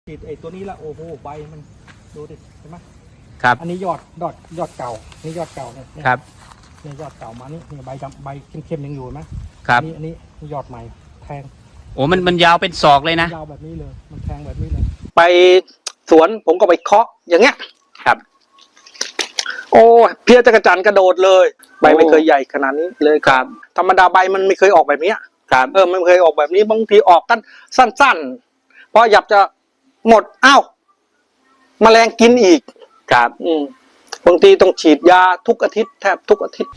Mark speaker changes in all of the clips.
Speaker 1: ฉีดไอ้ตัวนี้ละโอ้โหใบมันดูดิเห็นไหม
Speaker 2: ครับ
Speaker 1: อันนี้ยอดเก่านี่ยอดเก่าเนี่ย
Speaker 2: ครับ
Speaker 1: เนี่ยยอดเก่ามานี่ใบดำใบเข้มๆยังอยู่ไหม
Speaker 2: ครับ
Speaker 1: อันนี้ยอดใหม่แทง
Speaker 2: โอ้มันยาวเป็นศอกเลยนะ
Speaker 1: ยาวแบบนี้เลยมันแทงแบบนี้เลยไปสวนผมก็ไปเคาะอย่างเงี้ย
Speaker 2: ครับ
Speaker 1: โอ้เพี้ยจักรจันทร์กระโดดเลยใบไม่เคยใหญ่ขนาดนี้เลย
Speaker 2: ครับ
Speaker 1: ธรรมดาใบมันไม่เคยออกแบบนี้
Speaker 2: ครับ
Speaker 1: มันเคยออกแบบนี้บางทีออกกันสั้นๆพอหยับจะหมดอ้าวแมลงกินอีก
Speaker 2: ครับ
Speaker 1: บางทีต้องฉีดยาทุกอาทิตย์แทบทุกอาทิตย์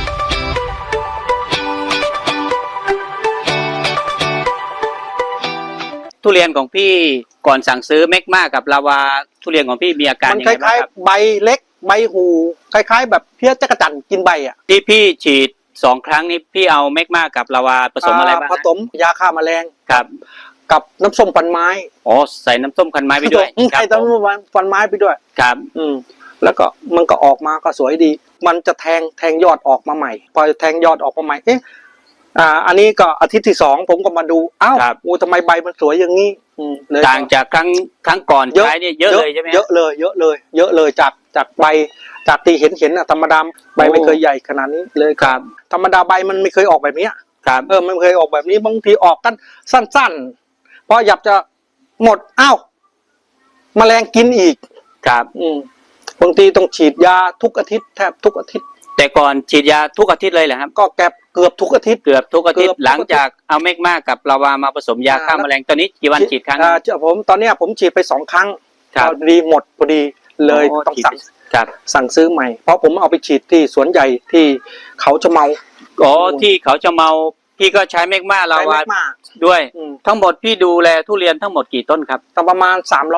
Speaker 2: ทุเรียนของพี่ก่อนสั่งซื้อเมกมากับลาวาทุเรียนของพี่มีอาการยังไงบ้างครับมันคล้าย
Speaker 1: ๆใบเล็กใบหูคล้ายๆแบบเพี้ยจักรจันทร์กินใบอ่ะ
Speaker 2: ที่พี่ฉีด2 ครั้งนี้พี่เอาเมกมากับลาวาผสมอะไรบ้าง
Speaker 1: ผสมยาฆ่าแมลง
Speaker 2: ครับ
Speaker 1: กับน้ำส้มฟันไม้
Speaker 2: อ๋อใส่น้ำส้มคันไม้ไปด้วย
Speaker 1: ใส่น้ำส้มฟันไม้ไปด้วย
Speaker 2: ครับ
Speaker 1: แล้วก็มันก็ออกมาก็สวยดีมันจะแทงยอดออกมาใหม่พอแทงยอดออกมาใหม่อันนี้ก็อาทิตย์ที่2ผมก็มาดูอ้าวทำไมใบมันสวยอย่างนี้
Speaker 2: ต่างจากครั้งก่อนใช้เนี่ยเยอะเลยใช่ไหม
Speaker 1: เยอะเลยจากใบจากที่เห็นธรรมดาใบไม่เคยใหญ่ขนาดนี้เลย
Speaker 2: ครับ
Speaker 1: ธรรมดาใบมันไม่เคยออกแบบนี้
Speaker 2: ครับ
Speaker 1: มันเคยออกแบบนี้บางทีออกกันสั้นๆพอหยับจะหมดอ้าวแมลงกินอีก
Speaker 2: ครับ
Speaker 1: บางทีต้องฉีดยาทุกอาทิตย์แทบทุกอาทิตย์
Speaker 2: แต่ก่อนฉีดยาทุกอาทิตย์เลยเหรอครับ
Speaker 1: ก็เกือบทุกอาทิตย์
Speaker 2: หลังจากเอาเมกมากับลาวามาผสมยาฆ่าแมลงตอนนี้กี่วันฉีดครั้ง
Speaker 1: ตอนนี้ผมฉีดไป2 ครั้งพอดีหมดพอดีเลยต้องสั่งซื้อใหม่เพราะผมเอาไปฉีดที่สวนใหญ่ที่เขาจะเมา
Speaker 2: ที่เขาจะเมาพี่ก็ใช้เมกมาลาวาด้วยทั้งหมดพี่ดูแลทุเรียนทั้งหมดกี่ต้นครับ
Speaker 1: ประมาณ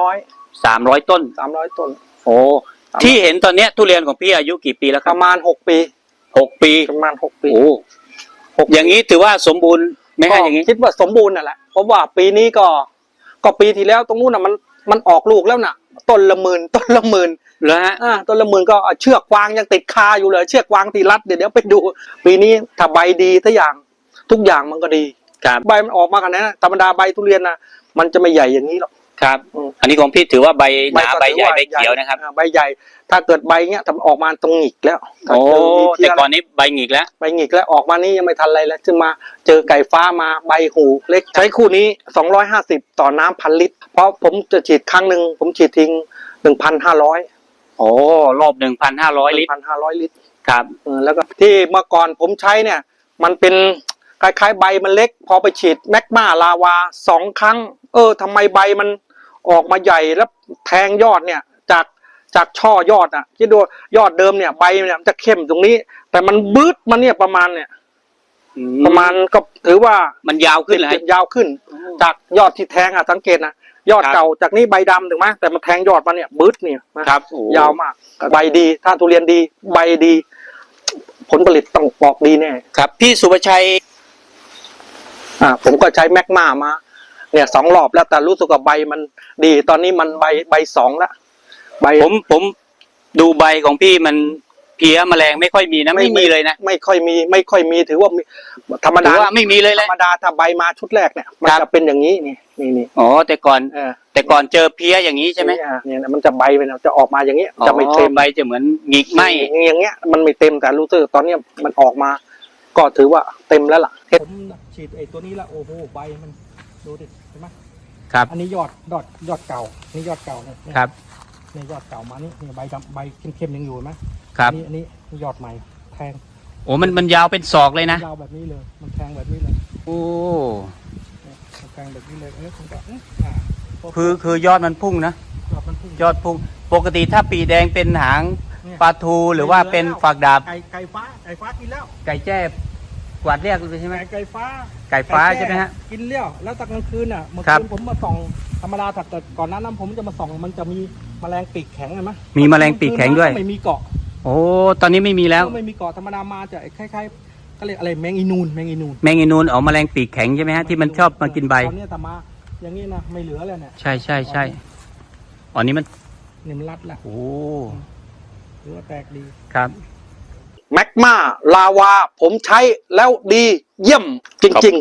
Speaker 1: 300
Speaker 2: ต้นโอ้ที่เห็นตอนนี้ทุเรียนของพี่อายุกี่ปีแล้วครับ
Speaker 1: ประมาณ6 ปีประมาณ6 ปี
Speaker 2: โอ้อย่างนี้ถือว่าสมบูรณ์ไหมฮะอย่างนี้
Speaker 1: คิดว่าสมบูรณ์นั่นแหละเพราะว่าปีนี้ก็ปีที่แล้วตรงนู้นน่ะมันออกลูกแล้วน่ะต้นละหมื่น
Speaker 2: เหรอฮะ
Speaker 1: ต้นละหมื่นก็เชือกวางยังติดคาอยู่เลยเชือกวางตีรัดเดี๋ยวไปดูปีนี้ถ้าใบดีทุกอย่างมันก็ดีใบมันออกมาขนาดนั้นธรรมดาใบทุเรียนน่ะมันจะไม่ใหญ่อย่างนี้หรอก
Speaker 2: ครับอันนี้ของพี่ถือว่าใบหนาใบใหญ่ใบเขียวนะครับ
Speaker 1: ใบใหญ่ถ้าเกิดใบเงี้ยทำออกมาตรงหงิกแล้ว
Speaker 2: โอ้แต่ก่อนนี้ใบหงิกแล้ว
Speaker 1: ออกมานี่ยังไม่ทันอะไรแล้วจึงมาเจอไก่ฟ้ามาใบหูเล็กใช้คู่นี้250ต่อน้ำ1,000 ลิตรเพราะผมจะฉีดครั้งหนึ่งผมฉีดทิ้ง1,500
Speaker 2: โอ้รอบ1,500 ลิตร
Speaker 1: ครับแล้วก็ที่เมื่อก่อนผมใช้เนี่ยมันเป็นคล้ายๆใบมันเล็กพอไปฉีดแมกมาลาวา2 ครั้งทำไมใบมันออกมาใหญ่แล้วแทงยอดเนี่ยจากช่อยอดคิดดูยอดเดิมเนี่ยใบเนี่ยมันจะเข้มตรงนี้แต่มันบืดมาเนี่ยประมาณก็ถือว่า
Speaker 2: มันยาวขึ้นเลย
Speaker 1: ยาวขึ้นจากยอดที่แทงสังเกตนะยอดเก่าจากนี้ใบดำถูกไหมแต่มันแทงยอดมาเนี่ยบืดเนี่ย
Speaker 2: ครับ
Speaker 1: ยาวมากใบดีถ้าทุเรียนดีใบดีผลผลิตต้องออกดีแน่
Speaker 2: ครับพี่สุภชัย
Speaker 1: ผมก็ใช้แมกมาเนี่ย2 รอบแล้วแต่รู้สึกว่าใบมันดีตอนนี้มันใบ2แล้วใบ
Speaker 2: ผมดูใบของพี่มันเพี้ยแมลงไม่ค่อยมีนะไม่มีเลยนะ
Speaker 1: ไม่ค่อยมีถือว่าธรรมดา
Speaker 2: ไม่มีเลย
Speaker 1: ธรรมดาถ้าใบมาชุดแรกเนี่ยมันจะเป็นอย่างนี้นี่
Speaker 2: อ๋อแต่ก่อนเจอเพี้ยอย่างนี้ใช่ไหม
Speaker 1: เนี่ยมันจะใบเป็นจะออกมาอย่างนี้จะไม่เต็ม
Speaker 2: ใบจะเหมือนหงิกไหม
Speaker 1: อย่างเงี้ยมันไม่เต็มแต่รู้สึกตอนนี้มันออกมาก็ถือว่าเต็มแล้วล่ะผมฉีดไอ้ตัวนี้ละโอ้โหใบมันดูดิเห็นไหม
Speaker 2: ครับ
Speaker 1: อันนี้ยอดเก่านี่ยอดเก่าเนี่ย
Speaker 2: ครับ
Speaker 1: นี่ยอดเก่ามานี่ใบดำใบเข้มๆยังอยู่ไหม
Speaker 2: ครับ
Speaker 1: อันนี้ยอดใหม่แทง
Speaker 2: โอ้มันยาวเป็นศอกเลยนะ
Speaker 1: ยาวแบบนี้เลยมันแทงแบบนี้เลย
Speaker 2: โอ้
Speaker 1: แทงแบบนี้เลยผมก็
Speaker 2: คือยอดมันพุ่งนะยอดพุ่งปกติถ้าปีแดงเป็นหางปลาทูหรือว่าเป็นฝักดาบ
Speaker 1: ไก่ฟ้ากินแล้ว
Speaker 2: ไก่แจ้กวาดเรียกเลยใช่ไหม
Speaker 1: ไก่ฟ้
Speaker 2: าใช่ไหมฮะ
Speaker 1: กินเลี้ยวแล้วตอนกลางคืนเมื่อคืนผมมาส่องธรรมดาแต่ก่อนนั้นผมจะมาส่องมันจะมีแมลงปีกแข็งเห็นไหม
Speaker 2: มีแมลงปีกแข็งด้วย
Speaker 1: ไม่มีเกาะ
Speaker 2: โอ้ตอนนี้ไม่มีแล้ว
Speaker 1: ไม่มีเกาะธรรมดามาจะคล้ายๆก็เรียกอะไรแมงอีนูน
Speaker 2: อ๋อแมลงปีกแข็งใช่ไหมฮะที่มันชอบมากินใบ
Speaker 1: ตอนนี้แต่มาอย่างนี้นะไม่เหลือเลยเนี่ย
Speaker 2: ใช่อ๋อนี้มัน
Speaker 1: รัดละ
Speaker 2: โอ้
Speaker 1: หรือว่าแตกดี
Speaker 2: ครับ
Speaker 1: แมกมาลาวาผมใช้แล้วดีเยี่ยมจริงๆ